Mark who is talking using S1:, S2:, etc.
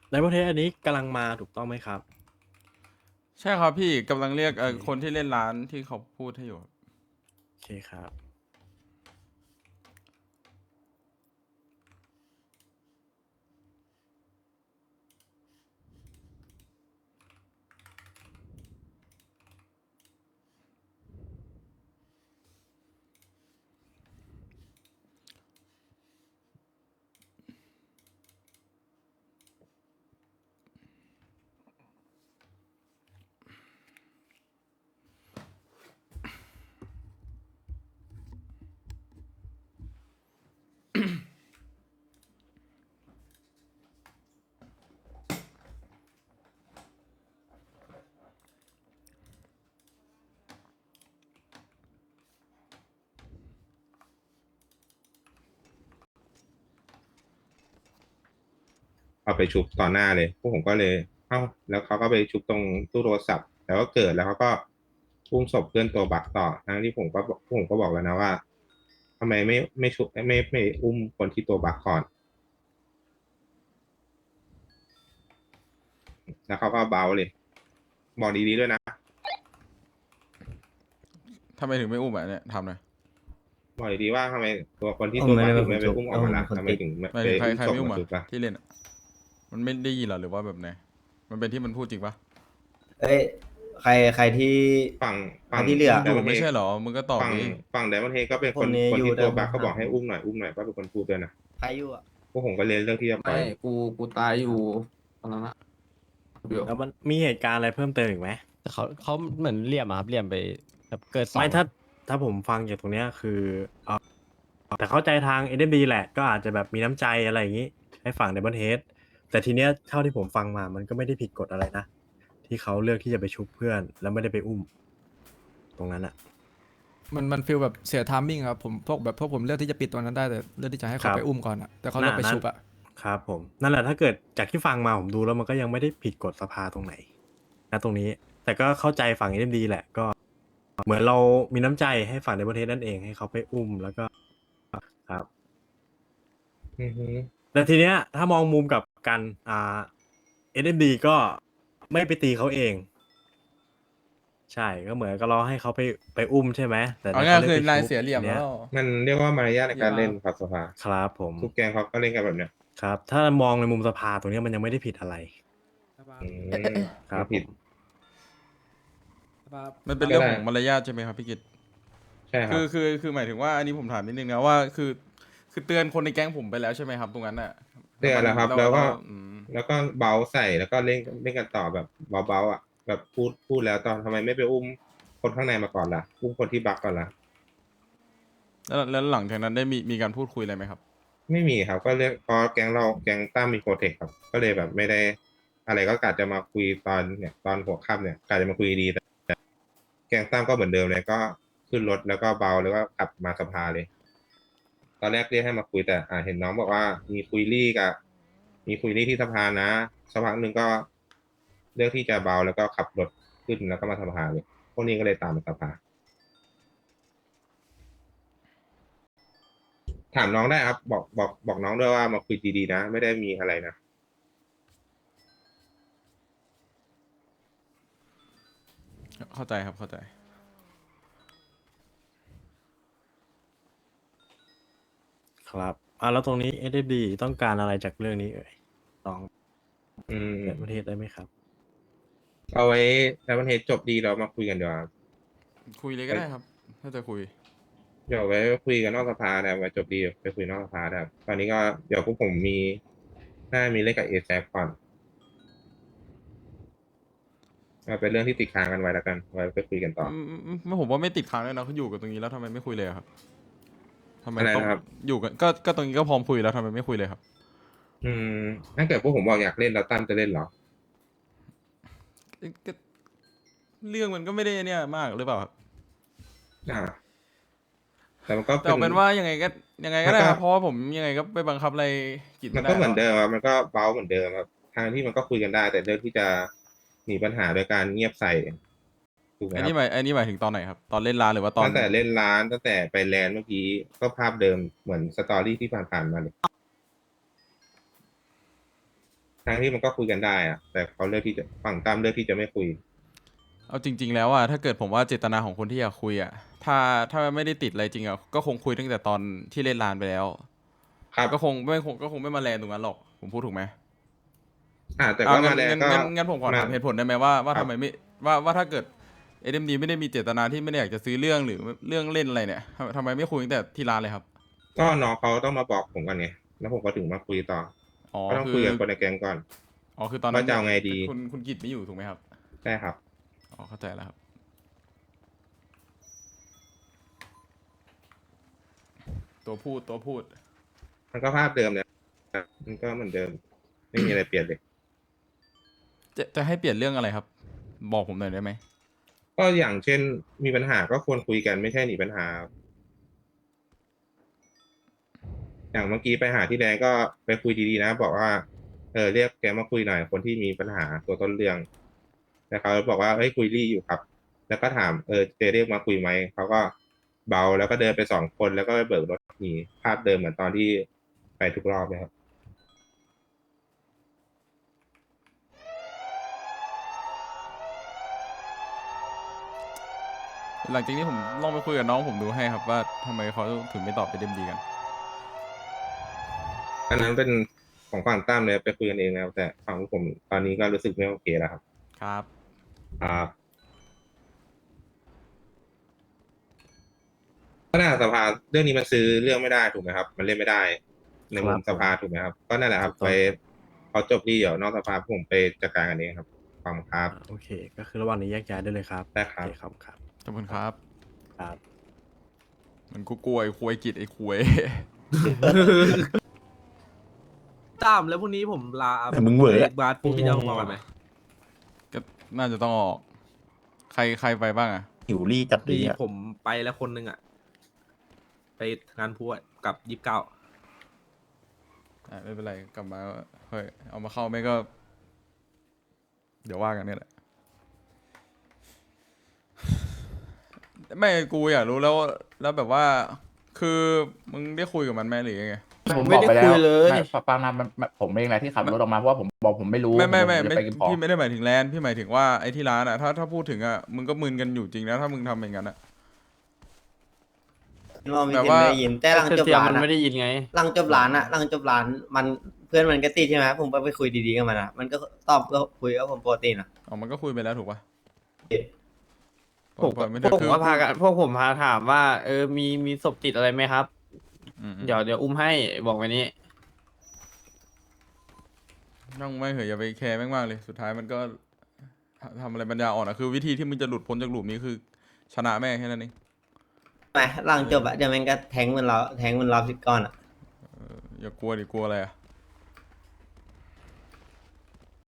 S1: ในประเทศอันนี้กำลังมาถูกต้องไหมครับ
S2: ใช่ครับพี่กำลังเรียก
S1: โอเค
S2: คนที่เล่นร้านที่เขาพูดให้อยู่ครับ
S1: โอเคครับ
S3: เอาไปชุบต่อหน้าเลยพวกผมก็เลยเอ้าแล้วเขาก็ไปชุบตรงตู้โทรศัพท์แล้วก็เกิดแล้วเขาก็อุ้มศพเพื่อนตัวบักต่อทั้งที่ผมก็บอกพวกผมก็บอกแล้วนะว่าทำไมไม่ชุบไม่อุ้มคนที่ตัวบักก่อนแล้วเขาก็เบาเลยบอกดีๆด้วยนะ
S2: ทำไมถึงไม่อุ้มอ่ะเนี่ยทำหน่อย
S3: บอกดีๆว่าทำไมตัวคนที่
S4: ผมไม่ได้
S3: ตัวบักถึง
S4: เป็นคนชุบ
S3: ไม่ไปอุ้มออกมาล่ะ
S4: ผมเป็นคน
S3: ทำไม
S4: ติด
S3: ถึง
S2: หมาย
S3: ไป
S2: ถึงใครใคร
S3: อุ้มศพ
S2: ไม่อุ้มอ่ะ
S3: มาชุบล่ะ
S2: ที่เล่นอะมันไม่ได้ยินเหรอหรือว่าแบบไหนมันเป็นที่มันพูดจริงปะ
S4: เอ้ยใครที่
S3: ฝั่ง
S4: ใคร
S3: ฝั่ง
S4: ที่เหลือ
S2: มึงอยู่
S3: ไดมอนเฮด
S2: ไม่ใช่เหรอมึงก็ตอบ
S3: ฝั่ง
S2: ดิ
S3: ฝั่งไดมอนเฮดก็เป็นคน
S4: คนนี้อยู่
S3: คนที่ตัวบัก
S4: แต่ผมถาม
S3: ก็บอกให้อุ้มหน่อยก็เป็นคนพูดด้วยนะ
S4: ใครอยู่อ่ะ
S3: พวกผมก็เลยเลือกที่จะปล่
S5: ไม่
S3: อย
S5: กูตายอยู่ตอนนั้นอะเดี๋ยว
S1: แล้วมันมีเหตุการณ์อะไรเพิ่มเติมอีกไหม
S6: แต่เขาเหมือนเหลี่ยมอะครับเหลี่ยมไปแบบเกิดสอ
S1: ไม่
S6: ง
S1: ถ้าผมฟังจากตรงเนี้ยคือเออแต่เข้าใจทาง SMD แหละก็อาจจะแบบมีน้ำใจอะไรอย่างนี้ให้ฝั่ง Diamond Head แต่ทีเนี้ยเท่าที่ผมฟังมามันก็ไม่ได้ผิดกฎอะไรนะที่เขาเลือกที่จะไปชุบเพื่อนแล้วไม่ได้ไปอุ้มตรงนั้นอะ
S7: มันฟีลแบบเสียทามมิ่งครับผมพวกผมเลือกที่จะปิดตัวนั้นได้แต่เลือกที่จะให้
S1: ค
S7: เขา
S1: รับ
S7: ไปอุ้มก่อนอะแต่เขาเลือกไปชุบอะ
S1: ครับผมนั่นแหละถ้าเกิดจากที่ฟังมาผมดูแล้วมันก็ยังไม่ได้ผิดกฎสภาตรงไหนนะตรงนี้ แต่ก็เข้าใจฝั่ง SMD แหละก็เหมือนเรามีน้ำใจให้ฝั่งในประเทศนั่นเองให้เขาไปอุ้มแล้วก็ครับ
S3: อือฮึ
S1: แต่ทีเนี้ยถ้ามองมุมกลับกันSMD ก็ไม่ไปตีเขาเอง ใช่ก็เหมือนก็รอให้เขาไปอุ้มใช่ไหมแต่
S2: เอา
S1: นี่
S2: ง่าย
S1: เขาเลือก
S2: คือ
S1: ไป
S2: นาย
S1: ชุบ
S2: เสียเหลี่ยม
S1: ที
S2: แล้
S1: เนี้ยว
S3: มันเรียกว่ามารยาทในการเล่นครับสภา
S1: ครับผม
S3: ทุกแกงเขาก็เล่นกันแบบเนี้ย
S1: ครับ ถ้ามองในมุมสภาตรงเนี้ยมันยังไม่ได้ผิดอะไร
S3: อืม
S1: ครับ
S3: ผิด
S2: มันเป็นเรื่อง
S3: ก็ได้
S2: ของมารยาทใช่ไหมครับพี่กิต
S3: ใช่ครั
S2: คื
S3: บ
S2: คือหมายถึงว่าอันนี้ผมถามนิดนึงนะว่าคือเตือนคนในแก๊งผมไปแล้วใช่ไหมครับตรงนั้นน่ะ
S3: เตือนแล้วครับแล้วก็
S2: อืม
S3: แล้วก็เบาใส่แล้วก็เล่นกันต่อแบบเบาๆอ่ะแบบพูดแล้วตอนทำไมไม่ไปอุ้มคนข้างในมาก่อนล่ะอุ้มคนที่บักก่อนล่ะ
S2: แล้วหลังจากนั้นได้มีการพูดคุยอะไรไหมครับ
S3: ไม่มีครับก็เรียกพอแก๊งเราแก๊งตั้มมีโปรเทคครับก็เลยแบบไม่ได้ อะไรก็กะจะมาคุยตอนเนี่ยตอนหัวค่ำเนี่ยกะจะมาคุยดีแต่แก๊งตั้มก็เหมือนเดิมเลยก็ขึ้นรถแล้วก็เบาแล้วก็ขับมาสภาเลย ตอนแรกเรียกให้มาคุยแต่เห็นน้องบอกว่ามีคุยรี่ที่สภานะสักพักหนึ่งก็เลือกที่จะเบาแล้วก็ขับรถขึ้นแล้วก็มาสภาเลยพวกนี้ก็เลยตามมาสภาถามน้องได้ครับบอกน้องด้วยว่ามาคุยดีๆนะไม่ได้มีอะไรนะ
S2: เข้าใจครับเข้าใจ
S1: ครับแล้วตรงนี้ SMD ต้องการอะไรจากเรื่องนี้เอ่ยลอง
S3: อืม
S1: เปิดประเทศได้ไหมครับ
S3: เอาไว้แล้ววันเทจบดีเรามาคุยกันดีกว่า
S2: คุยเลยก็ได้ครับ ถ้าจะคุย
S3: เดี๋ยวไว้คุยกันนอกสภาแต่ไว้จบดีไปคุยนอกสภาได้ครับตอนนี้ก็เดี๋ยวพวกผมน่ามีเล่นกับเอแซก่อนเอาเป็นเรื่องที่ติดค้างกันไว้แล้วกันไว้ไปคุยกันต่อ
S2: ไม่ผมว่าไม่ติดค้างเลยนะเขาอยู่กับตรงนี้แล้วทำไมไม่คุยเลยอะครับทำไม
S3: อะไร
S2: ต้อง
S3: นะครับ
S2: อยู่กันก็ตรงนี้ก็พร้อมคุยแล้วทำไมไม่คุยเลยครับ
S3: อืมถ้าเกิดพวกผมบอกอยากเล่นแล้วตั้มจะเล่นเหรอ
S2: ก็เรื่องมันก็ไม่ได้เนี่ยมากหรือเปล่าครับ
S3: อ่า แต่มันก็
S2: แต่เอาเป็นว่ายังไงก็ได้ครับ
S3: มันก็
S2: เพราะว่าผมยังไงก็ไปบังคับอะไรกิจ
S3: มั
S2: ไม่
S3: น
S2: ได้
S3: ก็เหมือน
S2: หร
S3: เดิมครับมันก็เบาเหมือนเดิมครับทางที่มันก็คุยกันได้ แต่เรื่องที่จะหนีปัญหาโดยการเงียบใส่ถูกไหม
S2: อัน
S3: ค
S2: นี้
S3: รับ
S2: หมายถึงตอนไหนครับ ตอนเล่นร้านหรือว่าตอน
S3: ตั้งแต่เล่นร้านตั้งแต่ไปแลนด์เมื่อกี้ก็ภาพเดิมเหมือนสตอรี่ที่ผ่านๆมาเลยทั้งที่มันก็คุยกันได้อะแต่เขาเลือกที่จะฝั่งตั้มเลือกที่จะไม่คุย
S2: เอาจริง ๆ แล้วอ่ะถ้าเกิดผมว่าเจตนาของคนที่อยากคุยอ่ะถ้าไม่ได้ติดอะไรจริงอ่ะก็คงคุยตั้งแต่ตอนที่เล่นลานไปแล้ว
S3: ครับ
S2: ก็คงไม่มาแลนตรงนั้นหรอกผมพูดถูกไหม
S3: แต่
S2: เอา
S3: ก็
S2: งั้
S3: มาน แล้ว
S2: งั้น
S3: ก็
S2: งั้นผมขอถาม
S3: มา
S2: เหตุผลได้ไหมว่า
S3: ครับ
S2: ทำไมไม่ว่าถ้าเกิดSMDไม่ได้มีเจตนาที่ไม่ได้อยากจะซื้อเรื่องหรือเรื่องเล่นอะไรเนี่ยทำไมไม่คุยตั้งแต่ที่ร้านเลยครับ
S3: ก็น้องเขาต้องมาบอกผมก่อนไงแล้วผมก็ถึงมาคุยต่อ
S2: อ๋อ
S3: ก็ต้อง
S2: คื
S3: คุย
S2: อ
S3: กับคนในแก๊งก่อน
S2: อ๋อคือตอนนั้น
S3: ว่าจะเอาไงดี
S2: คุณกิจไม่อยู่ถูกไหมครับ
S3: ใช่ครับ
S2: อ๋อเข้าใจแล้วครับตัวพูด
S3: มันก็ภาพเดิมเลยมันก็เหมือนเดิม ไม่มีอะไรเปลี่ยนเลย
S2: จะให้เปลี่ยนเรื่องอะไรครับ บอกผมหน่อยได้ไหม
S3: ก็อย่างเช่น มีปัญหาก็ควรคุยกันไม่ใช่หนีปัญหา อย่างเมื่อกี้ไปหาที่แดงก็ไปคุยดีๆนะ บอกว่าเรียกแกมาคุยหน่อยคนที่มีปัญหาตัวต้นเรื่องแล้วเขาบอกว่าเฮ้ยคุยรี่อยู่ครับ แล้วก็ถามเจเรียกมาคุยไหมเขาก็เบาแล้วก็เดินไป2 คนแล้วก็ไปเบิกรถหนีภาพเดิมเหมือนตอนที่ไปทุกรอบเลยครับ
S2: หลังจากนี้ผมลองไปคุยกับน้องผมดูให้ครับว่าทำไมเขาถึงไม่ตอบSMDกัน
S3: อันนั้นเป็นของฝั่งตั้มเลยไปคุยกันเองแล้วแต่ฝั่งผมตอนนี้ก็รู้สึกไม่โอเคแล้วครับ
S2: ครับ
S3: ครับก็น่าสภาเรื่องนี้มันซื้อเรื่องไม่ได้ถูกไหมครับ มันเล่นไม่ได้ ในมุมสภาถูกไหมครับ ก็นั่นแหละครับ ไปเขาจบที่เดี๋ยวนอกสภาผมไปจัดการกันเองครับขอบคุณครับ
S1: โอเค ก็คือระหว่างนี้แยกย้ายได้เลยครับ
S3: ได้ครับ
S1: โอเคครับครับ
S2: ขอบคุณครับ
S1: ครับ
S2: มันกูกลัวไอ้ควยกิจไอ้ควย
S8: ตามแล้วพรุ่งนี้ผมลา
S9: แต่มึงเหวอ
S8: บาสพี่จะมากันไหม
S2: ก็น่าจะต้องออก ใครไปบ้างอ่ะ
S9: หิวรี่จัดเล
S8: มี
S9: ยอ่ะ
S8: ผมไปแล้วคนหนึ่งอ่ะ ไปงานพูดกับ29
S2: ไม่เป็นไรกลับมาเฮ้ยเอามาเข้าไม่ก็ เดี๋ยวว่ากันเนี่ยแหละ ไม่กูอยากรู้แล้วแบบว่า คือมึงได้คุยกับมันไหมหรือยังไง
S9: ผมบอกไปแล้วฟังนะมันผมเองแหละที่ขับรถออกมาเพราะว่าผมบอกผมไม่รู้
S2: ไม่
S9: ผมจะไปกินของ
S2: พี่ไม่ได้หมายถึงแลนด์พี่หมายถึงว่าไอ้ที่ร้านอ่ะถ้าพูดถึงอ่ะมึงก็มึนกันอยู่จริงนะถ้ามึงทำอย่างนั้นอ่ะ
S4: เราไม่
S2: แบบ
S4: เห็น
S2: ว่า
S4: ไม่ได้ยินแต่หลังจบ
S6: เสียง
S4: ร้าน
S6: มัน
S4: อะ
S6: ไม่ได้ยินไง
S4: หลังจบร้านอะหลังจบร้านมันเพื่อนมันก็ติดใช่ไหมผมไปคุยดีๆกับมันอะมันก็ตอบก็คุยกับผมปกตินะ
S2: อ๋อมันก็คุยไปแล้วถูกปะ
S6: ผม
S2: ปล่อยไม่
S6: พ
S2: ได้
S6: วกผ
S2: คื
S6: ม
S2: อ
S6: ก็พากันพวกผมพาถามว่า มีศพติดอะไรไหมครับ
S2: อืม
S6: เดี๋ยวอุ้มให้บอกไว้นี้
S2: นั่งไม่เหยอย่าไปแคร์แม่งมากเลยสุดท้ายมันก็ทำอะไรปัญญาอ่อนอ่ะคือวิธีที่มึงจะหลุดพ้นจากหลุมนี้คือ ชนะแม่งแค่นั้นเอง
S4: ไหมหลังจบอะเดี๋ยวมันก็แทงมันเราสิก้อนอะ
S2: อย่ากลัวดิกลัวอะไรอ่ะ